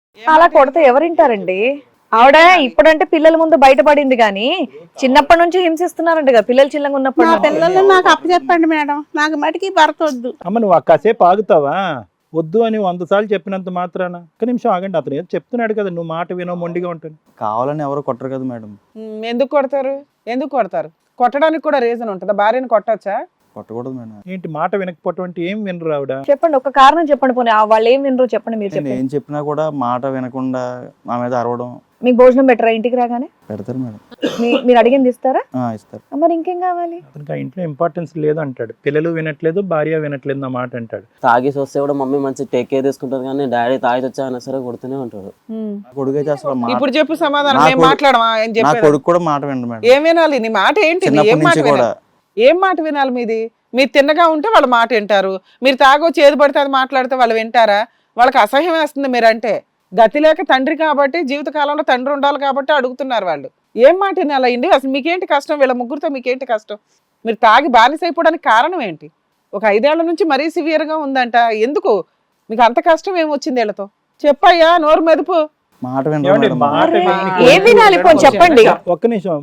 అలా కొడితే ఎవరింటారండి? ఆవిడ ఇప్పుడంటే పిల్లల ముందు బయటపడింది కానీ చిన్నప్పటి నుంచి హింసిస్తున్నారంట కదా పిల్లలు చిన్నగా నా ఉన్నప్పుడు. పిల్లలు నాకు అప్పచెప్పండి మేడం, నాకు మటుకి భర్త వద్దు. అమ్మ నువ్వు కాసేపు ఆగుతావా? వద్దు అని 100 సార్లు చెప్పినంత మాత్రాన ఒక్క నిమిషం ఆగండి. అతను ఏదో చెప్తున్నాడు కదా, నువ్వు మాట వినో మొండిగా ఉంటుంది. కావాలని ఎవరు కొట్టరు కదా మేడం. ఎందుకు కొడతారు? ఎందుకు కొడతారు? కొట్టడానికి కూడా రీజన్ ఉంటుందా? భార్యను కొట్టచ్చా? కొట్టకూడదు మేడం. ఏంటి మాట వినకపోవటం అంటే ఏం వినరు ఆవిడ? చెప్పండి, ఒక కారణం చెప్పండి. పోనీ వాళ్ళు ఏం వినరు చెప్పండి, మీరు నేను చెప్పండి. ఏం చెప్పినా కూడా మాట వినకుండా నా మీద అరవడం. మీకు భోజనం పెట్టరా ఇంటికి రాగానే? పెడతారు మేడం. మీరు అడిగింది ఇస్తారా? ఇస్తారు. మరి ఇంకేం కావాలి? అతనికి ఆ ఇంట్లో ఇంపార్టెన్స్ లేదు అంటాడు. పిల్లలు వినట్లేదు, భార్య వినట్లేదు నా మాట అంటాడు. తాగేసి వస్తే కూడా మమ్మీ మంచి టేక్ కేర్ తీసుకుంటుంది, కానీ డాడీ తాగి వచ్చా అయినా సరే కొడుతూనే ఉంటాడు. నా కొడుకు అయితే అసలు ఇప్పుడు చెప్పు సమాధానం. నా మేము కొడుకు- మాట్లాడమా? ఏం నా చెప్పేది? కొడుకు కూడా మాట వినడు మేడం. ఏం వినాలి? నీ మాట ఏంటి? ఏం చిన్నప్పటి మాట నుంచి కూడా. వినాలి? ఏం మాట వినాలి మీది? మీరు తిన్నగా ఉంటే వాళ్ళ మాట వింటారు, మీరు తాగొచ్చి ఏది పడితే అది మాట్లాడితే వాళ్ళు వింటారా? వాళ్ళకి అసహ్యం వేస్తుంది మీరంటే. గతి లేక తండ్రి కాబట్టి, జీవితకాలంలో తండ్రి ఉండాలి కాబట్టి అడుగుతున్నారు వాళ్ళు. ఏం మాట వినాలి ఇండి? అసలు మీకేంటి కష్టం? వీళ్ళ ముగ్గురితో మీకేంటి కష్టం? మీరు తాగి బానిస అయిపోవడానికి కారణం ఏంటి? ఒక 5 ఏళ్ల నుంచి మరీ సివియర్ గా ఉందంట. ఎందుకు మీకు అంత కష్టం ఏమొచ్చింది వీళ్ళతో? చెప్పయ్యా, నోరు మెదుపు. మాట వినరు ఏమండి, మేడం. మాట వినని ఏం వినాలి పోనీ చెప్పండి. ఒక్క నిమిషం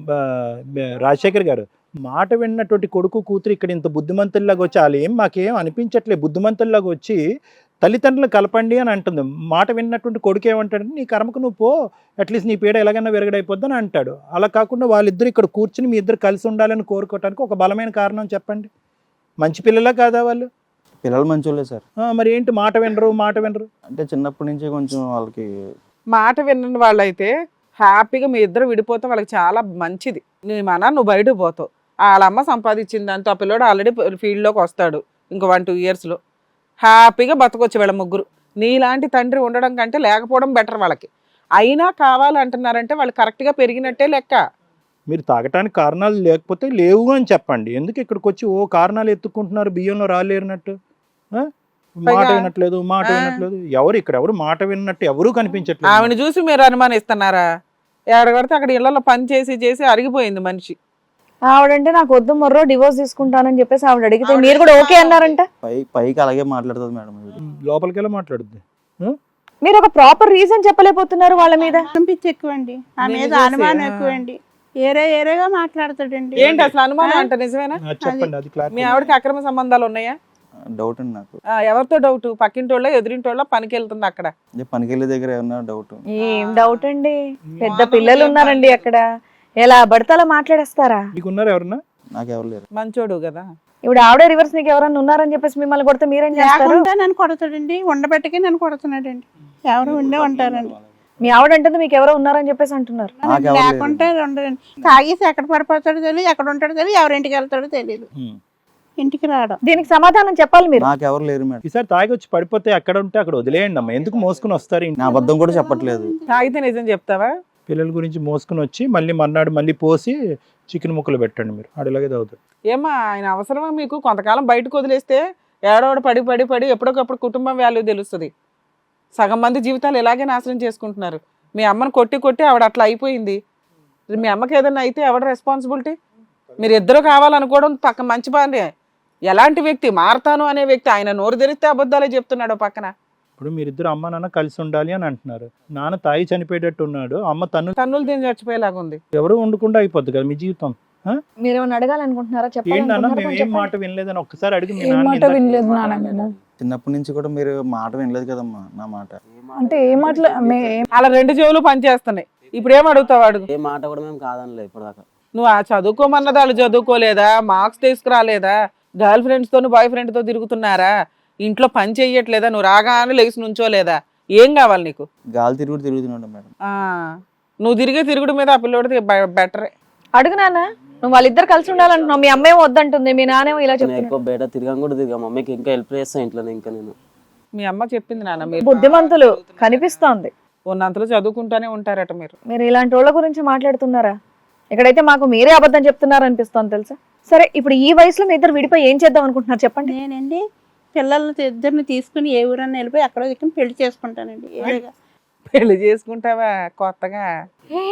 రాజశేఖర్ గారు, మాట విన్నటువంటి కొడుకు కూతురు ఇక్కడ ఇంత బుద్ధిమంతుల్లాగా వచ్చి వాళ్ళు ఏం మాకేం అనిపించట్లేదు, బుద్ధిమంతుల్లాగా వచ్చి తల్లిదండ్రులు కలపండి అని అంటుంది. మాట విన్నటువంటి కొడుకు ఏమంటాడంటే నీ కర్మకు నువ్వు పో, అట్లీస్ట్ నీ పీడ ఎలాగైనా విరగడైపోద్ది అని అంటాడు. అలా కాకుండా వాళ్ళిద్దరు ఇక్కడ కూర్చుని మీ ఇద్దరు కలిసి ఉండాలని కోరుకోవటానికి ఒక బలమైన కారణం చెప్పండి. మంచి పిల్లలా కాదా వాళ్ళు? పిల్లలు మంచోళ్ళే సార్. మరి ఏంటి మాట వినరు, మాట వినరు అంటే చిన్నప్పటి నుంచి కొంచెం వాళ్ళకి మాట వినని వాళ్ళైతే హ్యాపీగా మీ ఇద్దరు విడిపోతే వాళ్ళకి చాలా మంచిది. నీ మన నువ్వు బయటకు పోతావు, వాళ్ళ అమ్మ సంపాదించింది దాంతో ఆ పిల్లోడు ఆల్రెడీ ఫీల్డ్లోకి వస్తాడు ఇంకో 1-2 ఇయర్స్లో. హ్యాపీగా బతకొచ్చు వీళ్ళ ముగ్గురు. నీలాంటి తండ్రి ఉండడం కంటే లేకపోవడం బెటర్ వాళ్ళకి. అయినా కావాలంటున్నారంటే వాళ్ళు కరెక్ట్గా పెరిగినట్టే లెక్క. మీరు తాగటానికి కారణాలు లేకపోతే లేవు అని చెప్పండి. ఎందుకు ఇక్కడికి వచ్చి ఓ కారణాలు ఎత్తుకుంటున్నారు బియ్యంలో రాలేరినట్టు? మాట వినట్లేదు, మాట వినట్లేదు. ఎవరు మాట విన్నట్టు ఎవరూ కనిపించట్లేదు. ఆవిడ చూసి మీరు అనుమానిస్తున్నారా? ఎక్కడికడితే అక్కడ ఇళ్లలో పని చేసి అరిగిపోయింది మనిషి. ఆవిడంటే నాకు వద్దు మొర్రో డివోర్స్ తీసుకుంటానని చెప్పేసి ఆవిడ అడిగితే మీరు కూడా ఓకే అన్నారంట. పైకి అలాగే మాట్లాడుతుంది మేడం. లోపలికి వెళ్ళి మాట్లాడుద్ది. మీరు ఒక ప్రాపర్ రీజన్ చెప్పలేకపోతున్నారు వాళ్ళ మీద. పిచ్చి ఎక్కువండి, నా మీద అనుమానం ఎక్కువండి. ఏరేగా మాట్లాడతాడండి. ఏంటి అసలు అనుమానం అంటే? నిజమేనా? చెప్పండి, అది మీ ఆవిడకి అక్రమ సంబంధాలు ఉన్నాయా? డౌట్ అండి నాకు. ఎవరితో డౌట్? పక్కింటోళ్ళ ఎదురింటోళ్ళ? పనికి వెళ్తుంది అక్కడ? పనికి వెళ్ళే దగ్గర ఏమన్నా డౌట్? ఏం డౌట్ అండి, పెద్ద పిల్లలు ఉన్నారండి అక్కడ, ఎలా పడితే అలా మాట్లాడేస్తారా? మీకున్నారు ఎవరన్నా? నాకు ఎవరు లేరు. మంచోడు కదా. ఇప్పుడు ఆవిడే రివర్స్ నీకు ఎవరన్నా ఉన్నారని చెప్పేసి మిమ్మల్ని కొడితే మీరేం చేస్తారు? లేకుండా నన్ను కొడతాడండి, ఉండబెట్టకి నన్ను కొడుతున్నాడండి. ఎవరు ఉండే ఉంటారండి. మీ ఆవిడ అంటుంది మీకు ఎవరో ఉన్నారని చెప్పేసి అంటున్నారు. నాకు ఎవరు లేకుంటే ఉండదండి. తాగేసి ఎక్కడ పడిపోతాడో తెలియదు, ఎక్కడ ఉంటాడో తెలియదు, ఎవరింటికి వెళ్తాడో తెలియదు. ఇంటికి రావడం. దీనికి సమాధానం చెప్పాలి మీరు. నాకు ఎవరు లేరు మేడం. ఈసారి తాగి వచ్చి పడిపోతే అక్కడ ఉంటే అక్కడ వదిలేయండి అమ్మ, ఎందుకు మోసుకుని వస్తారు? నా అబద్ధం కూడా చెప్పట్లేదు. తాగితే నిజం చెప్తావా? పిల్లల గురించి మోసుకుని వచ్చి మళ్ళీ మర్నాడు మళ్ళీ పోసి చికెన్ ముక్కలు పెట్టండి మీరు, ఆడలాగే తాగుతాడు. ఏమా ఆయన అవసరమా మీకు? కొంతకాలం బయటకు వదిలేస్తే ఏడోడు పడి ఎప్పటికప్పుడు కుటుంబం వాల్యూ తెలుస్తుంది. సగం మంది జీవితాలు ఇలాగే నాశనం చేసుకుంటున్నారు. మీ అమ్మను కొట్టి ఆవిడ అట్లా అయిపోయింది. మీ అమ్మకి ఏదైనా అయితే ఎవడ రెస్పాన్సిబిలిటీ? మీరు ఇద్దరు కావాలనుకోవడం పక్క మంచి పని. ఎలాంటి వ్యక్తి? మారతాను అనే వ్యక్తి. ఆయన నోరు తెరిస్తే అబద్ధాలే చెప్తున్నాడు పక్కన. ఇప్పుడు మీరిద్దరు అమ్మ నాన్న కలిసి ఉండాలి అని అంటున్నారు. నాన్న తాగి చనిపోయేటట్టు ఉన్నాడు, అమ్మ తన్నులు తిని చచ్చిపోయేలాగా ఉంది. ఎవరు ఉండకుండా అయిపోద్ది కదా మీ జీవితం. మీరేమన్నా అడగాలనుకుంటున్నారా? ఏంటన్నా మేము ఏం మాట వినలేదని ఒక్కసారి అడిగి మీ నాన్న మాట వినలేదు నాన్న మేము. చిన్నప్పటి నుంచి కూడా మీరు మాట వినలేదు కదమ్మా నా మాట. అంటే ఏ మాటలు అలా 2 చెవులు పనిచేస్తున్నాయి. ఇప్పుడు ఏం అడుగుతావు? అడుగు. ఏ మాట కూడా మేము కాదనలేదు ఇప్పటిదాకా. నువ్వు ఆ చదువుకోమన్నది వాళ్ళు చదువుకోలేదా? మార్క్స్ తీసుకురాలేదా? గర్ల్ ఫ్రెండ్స్ తో బాయ్ ఫ్రెండ్ తో తిరుగుతున్నారా? ఇంట్లో పని చెయ్యట్లేదా? నువ్వు రాగానే లేచి నుంచోలేదా? ఏం కావాలి నీకు? గాలి తిరుగుతున్నాడు మేడం. నువ్వు తిరిగే తిరుగుడు మీద ఆ పిల్లోడితే బెటరే. అడుగు నాన్న, నువ్వు వాళ్ళిద్దరు కలిసి ఉండాలంటున్నావు, మీ అమ్మేమో వద్దంటుంది, మీ నానేమో ఇలా నేను చెప్తున్నా. ఎక్కువ బయట తిరగం కూడా తిరిగా. మమ్మీకి ఇంకా హెల్ప్ చేస్తాను ఇంట్లో ఇంకా నేను. మీ అమ్మ చెప్పింది నాన్న, మీరు బుద్ధిమంతులు కనిపిస్తోంది. ఉన్నంతలో చదువుకుంటానే ఉంటారట మీరు. మీరు ఇలాంటి వాళ్ళ గురించి మాట్లాడుతున్నారా? ఇక్కడైతే మాకు మీరే అబద్ధం చెప్తున్నారు అనిపిస్తోంది తెలుసా. సరే, ఇప్పుడు ఈ వయసులో మీ ఇద్దరు విడిపోయి ఏం చేద్దాం అనుకుంటున్నారు చెప్పండి. నేనండి పిల్లల్ని ఇద్దరిని తీసుకుని ఏ ఊరన్నా వెళ్ళిపోయి అక్కడ దిక్కుని పెళ్లి చేసుకుంటానండి. పెళ్లి చేసుకుంటావా కొత్తగా?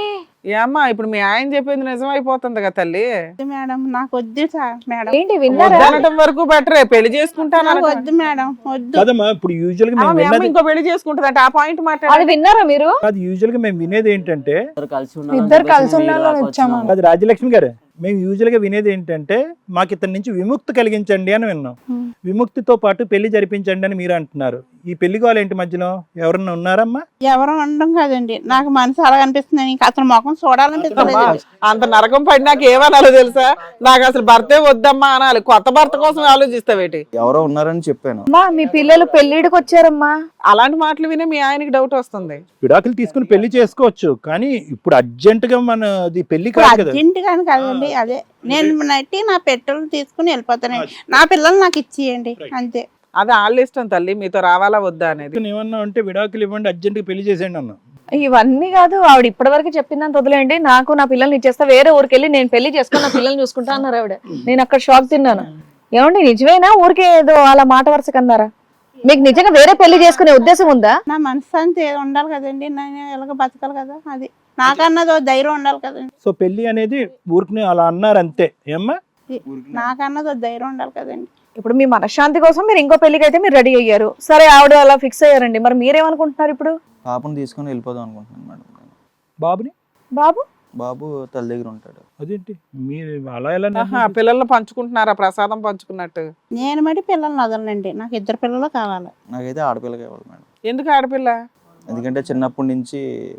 ఏమ్మా ఇప్పుడు మీ ఆయన చెప్పింది నిజమైపోతుంది కదా తల్లి. వద్దు మేడం, నాకు వద్దు సార్ మేడం, ఏంటి విన్నారా? వద్దనటం వరకు బెటరే, పెళ్లి చేసుకుంటాను నాకు వద్దు మేడం, వద్దు. కదమ్మా ఇప్పుడు యూజువల్ గా మేము మీ అమ్మ విన్నది ఇంకో పెళ్లి చేసుకుంటది ఆ పాయింట్ అది మాట్లాడాలి. విన్నారా మీరు? కాదు, యూజువల్ గా మేము వినేది ఏంటంటే ఇద్దరు కలిసి ఉండాలని వచ్చాము. అది రాజ్యలక్ష్మి గారు, మేము యూజువల్ గా వినేది ఏంటంటే మాకు ఇతని నుంచి విముక్తి కలిగించండి అని విన్నాం. విముక్తితో పాటు పెళ్లి జరిపించండి అని మీరు అంటున్నారు. ఈ పెళ్లి గోల ఏంటి మధ్యలో? ఎవరన్నా ఉన్నారమ్మా? ఎవరు అనడం కాదండి, నాకు మనసు అలా అనిపిస్తుంది, ఇంకా అతని ముఖం చూడాలనిపిస్తుంది. అంత నరకం పడి నాకు ఏమనాలో తెలుసా? నాకు అసలు భర్తే వద్దమ్మా అనాలి. కొత్త భర్త కోసం ఆలోచిస్తావేటి? ఎవరో ఉన్నారని చెప్పాను. అమ్మా మీ పిల్లలు పెళ్లిడికి వచ్చారమ్మా. అలాంటి మాటలు వినే మీ ఆయనకి డౌట్ వస్తుంది. విడాకులు తీసుకుని పెళ్లి చేసుకోవచ్చు, కానీ ఇప్పుడు అర్జెంట్ గా మనది పెళ్లి కాదు కదా. అర్జెంట్ గాని కాదండి, అదే నేను నట్టి నా పెట్రోల్ తీసుకుని వెళ్ళిపోతానండి. నా పిల్లలు నాకు ఇచ్చేయండి అంతే. అది వాళ్ళ ఇష్టం తల్లి, మీతో రావాలా వద్దా అనేది. ఏమన్నా అంటే విడాకులు ఇవ్వండి, అర్జెంట్ గా పెళ్లి చేసేయండి అన్నా. ఇవన్నీ కాదు, ఆవిడ ఇప్పటి వరకు చెప్పిందని వదిలేండి. నాకు నా పిల్లల్ని ఇచ్చేస్తా, వేరే ఊరికి వెళ్ళి నేను పెళ్లి చేసుకుని నా పిల్లల్ని చూసుకుంటా అన్నారు ఆవిడ. నేను అక్కడ షాక్ తిన్నాను. ఏమండి నిజమేనా? ఊరికే ఏదో అలా మాట వరుస కన్నారా? మీకు నిజంగా వేరే పెళ్లి చేసుకునే ఉద్దేశం ఉందా? నా మనశ్శాంతి ఉండాలి కదండి, నేను ఎలాగ బతకాలి కదా, అది నాకన్నది ధైర్యం ఉండాలి కదండి. సో పెళ్లి అనేది ఊరికి అలా అన్నారు అంతే. ఏమ్మా? నాకన్నది ధైర్యం ఉండాలి కదండి. ఇప్పుడు మీ మనశ్శాంతి కోసం మీరు ఇంకో పెళ్లికి అయితే మీరు రెడీ అయ్యారు. సరే ఆవిడ అలా ఫిక్స్ అయ్యారండి, మరి మీరేమనుకుంటున్నారు ఇప్పుడు? పాపను తీసుకొని వెళ్ళిపోదాం అనుకుంటున్నాను మేడం. బాబుని? బాబు బాబు తల్లి దగ్గర ఉంటాడు. అదేంటి మీరు అలా ఎలా పిల్లల్ని పంచుకుంటున్నారా ప్రసాదం పంచుకున్నట్టు? నేను మరి పిల్లల్ని వదలనండి, నాకు ఇద్దరు పిల్లలు కావాలి. నాకైతే ఆడపిల్ల కావాలి మేడం. ఎందుకు ఆడపిల్ల? ఎందుకంటే చిన్నప్పటి నుంచి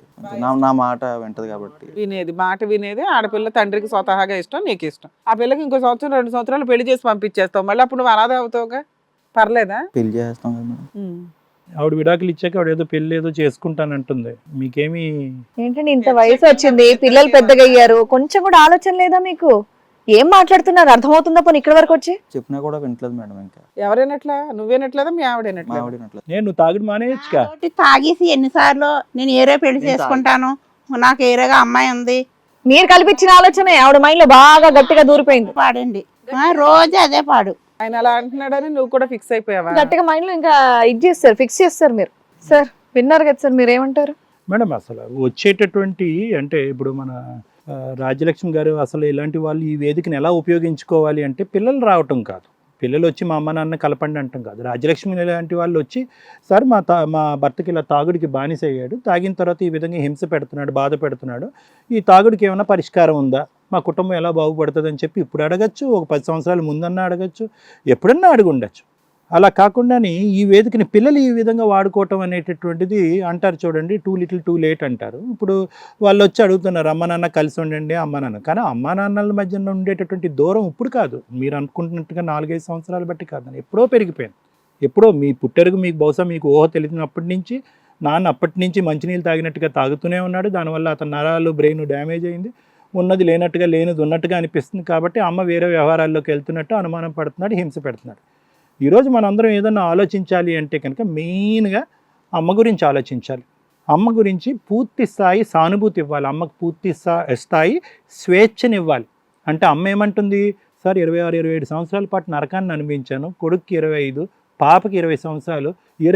నా మాట వింటది కాబట్టి. వినేది మాట వినేది ఆడపిల్ల. తండ్రికి స్వతహాగా ఇష్టం, నీకు ఇష్టం. ఆ పిల్లకి ఇంకో సంవత్సరం 2 సంవత్సరాలు పెళ్లి చేసి పంపించేస్తావు, మళ్ళీ అప్పుడు నువ్వు అనాథ అవుతావుగా. పర్లేదా? పెళ్లి చేస్తాం కదా మేడం. ఆవిడ విడాకులు ఇచ్చాక ఆవిడ ఏదో పెళ్లి ఏదో చేసుకుంటానంటుంది. మీకేమి ఏంటండి ఇంత వయసు వచ్చింది, పిల్లలు పెద్దగా అయ్యారు, కొంచెం కూడా ఆలోచన లేదా మీకు? ఏం మాట్లాడుతున్నారు అర్థమవుతుందా పోనీ ఇక్కడ వరకు వచ్చి? చెప్పినా కూడా వింటలేదు మేడం. ఇంకా ఎవరైనట్లా? నువ్వేనట్లేదా మీ ఆవిడేనట్లా? ఆవిడనట్లేదు. నేను తాగుడు మానేయచ్చుగా. కాబట్టి తాగేసి ఎన్నిసార్లు నేను ఏరే పెళ్లి చేసుకుంటాను, నాకు ఏరేగా అమ్మాయి ఉంది మీరు కల్పించిన ఆలోచన ఆవిడ మైండ్ లో బాగా గట్టిగా దూరిపోయింది. పాడండి, రోజు అదే పాడు. ఆయన అలా అంటున్నాడని నువ్వు కూడా ఫిక్స్ అయిపోయావా? గట్టిగా మైండ్ లో ఇంకా ఇది చేస్తారు, ఫిక్స్ చేస్తారు మీరు. సార్ విన్నారు కదా సార్, మీరు ఏమంటారు? మేడం అసలు వచ్చేటటువంటి అంటే ఇప్పుడు మన రాజ్యలక్ష్మి గారు అసలు ఇలాంటి వాళ్ళు ఈ వేదికను ఎలా ఉపయోగించుకోవాలి అంటే పిల్లలు రావటం కాదు, పిల్లలు వచ్చి మా అమ్మ నాన్న కలపండి అంటాం కాదు. రాజ్యలక్ష్మి లాంటి వాళ్ళు వచ్చి సార్ మా భర్తకి ఇలా తాగుడికి బానిస అయ్యాడు, తాగిన తర్వాత ఈ విధంగా హింస పెడుతున్నాడు, బాధ పెడుతున్నాడు, ఈ తాగుడికి ఏమైనా పరిష్కారం ఉందా, మా కుటుంబం ఎలా బాగుపడుతుంది అని చెప్పి ఇప్పుడు అడగచ్చు, ఒక 10 సంవత్సరాల ముందన్నా అడగచ్చు, ఎప్పుడన్నా అడిగి ఉండొచ్చు. అలా కాకుండానే ఈ వేదికని పిల్లలు ఈ విధంగా వాడుకోవటం అనేటటువంటిది అంటారు చూడండి, టూ లిటిల్ టూ లేట్ అంటారు. ఇప్పుడు వాళ్ళు వచ్చి అడుగుతున్నారు అమ్మ నాన్న కలిసి ఉండండి అమ్మ నాన్న, కానీ అమ్మ నాన్నల మధ్యన ఉండేటటువంటి దూరం ఇప్పుడు కాదు, మీరు అనుకుంటున్నట్టుగా 4-5 సంవత్సరాలు బట్టి కాదు, ఎప్పుడో పెరిగిపోయింది. ఎప్పుడో మీ పుట్టెరుగు మీకు బహుశా మీకు ఊహ తెలిసినప్పటి నుంచి నాన్న అప్పటి నుంచి మంచినీళ్ళు తాగినట్టుగా తాగుతూనే ఉన్నాడు, దానివల్ల అతని నరాలు బ్రెయిన్ డ్యామేజ్ అయింది, ఉన్నది లేనట్టుగా లేనిది ఉన్నట్టుగా అనిపిస్తుంది. కాబట్టి అమ్మ వేరే వ్యవహారాల్లోకి వెళ్తున్నట్టు అనుమానం పడుతున్నాడు, హింస పెడుతున్నాడు. ఈరోజు మనందరం ఏదన్నా ఆలోచించాలి అంటే కనుక మెయిన్గా అమ్మ గురించి ఆలోచించాలి. అమ్మ గురించి పూర్తి స్థాయి సానుభూతి ఇవ్వాలి, అమ్మకు పూర్తి స్థాయి స్వేచ్ఛనివ్వాలి. అంటే అమ్మ ఏమంటుంది, సార్ 26-27 సంవత్సరాల పాటు నరకాన్ని అనిపించాను, కొడుక్కి 25, పాపకి 20 సంవత్సరాలు,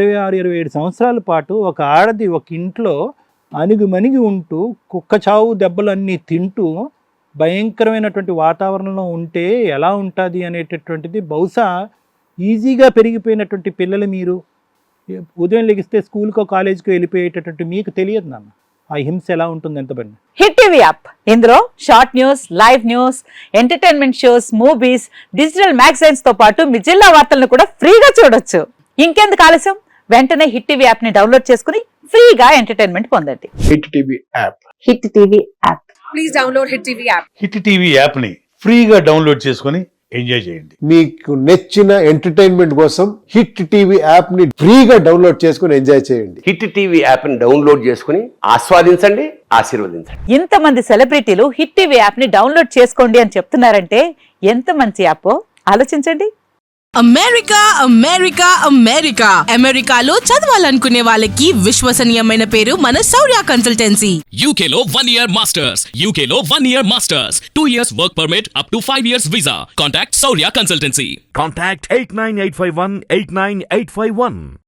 26-27 సంవత్సరాల పాటు ఒక ఆడది ఒక ఇంట్లో అణిగిమణిగి ఉంటూ కుక్క చావు దెబ్బలు అన్నీ తింటూ భయంకరమైనటువంటి వాతావరణంలో ఉంటే ఎలా ఉంటుంది అనేటటువంటిది బహుశా ఈజీగా పెరిగిపోయినటువంటి పిల్లలు మీరు ఉదయం లెగిస్తే స్కూల్కో కాలేజీకో వెళ్ళిపోయేటటువంటి మీకు తెలియదు నాన్న ఆ హింస ఎలా ఉంటుంది ఎంత పని. హిట్ టీవీ యాప్, ఇందులో short news, live news, entertainment shows, movies, digital magazines తో పాటు మీ జిల్లా వార్తలను కూడా ఫ్రీగా చూడొచ్చు. ఇంకెందుకు ఆలస్యం, వెంటనే హిట్ టీవీ యాప్ ని డౌన్లోడ్ చేసుకుని ఫ్రీగా ఎంటర్టైన్మెంట్ పొందండి. Hit TV app, hit TV app, please download hit TV app. Hit TV app ని ఫ్రీగా డౌన్లోడ్ చేసుకొని ఎంజాయ్ చేయండి. మీకు నచ్చిన ఎంటర్టైన్మెంట్ కోసం హిట్ టీవీ యాప్ ని ఫ్రీగా డౌన్లోడ్ చేసుకుని ఎంజాయ్ చేయండి. హిట్ టీవీ యాప్ ని డౌన్లోడ్ చేసుకుని ఆస్వాదించండి, ఆశీర్వదించండి. ఇంతమంది సెలబ్రిటీలు హిట్ టీవీ యాప్ ని డౌన్లోడ్ చేసుకోండి అని చెప్తున్నారంటే ఎంత మంచి యాప్ ఆలోచించండి. అమెరికా అమెరికా అమెరికా అమెరికాలో చదవాలనుకునే వాళ్ళకి విశ్వసనీయమైన పేరు మన శౌర్య కన్సల్టెన్సీ. UK లో 1 year masters, UK లో 1 year masters, 2 years work permit up to 5 years visa. Contact Saurya Consultancy. Contact 89851 89851.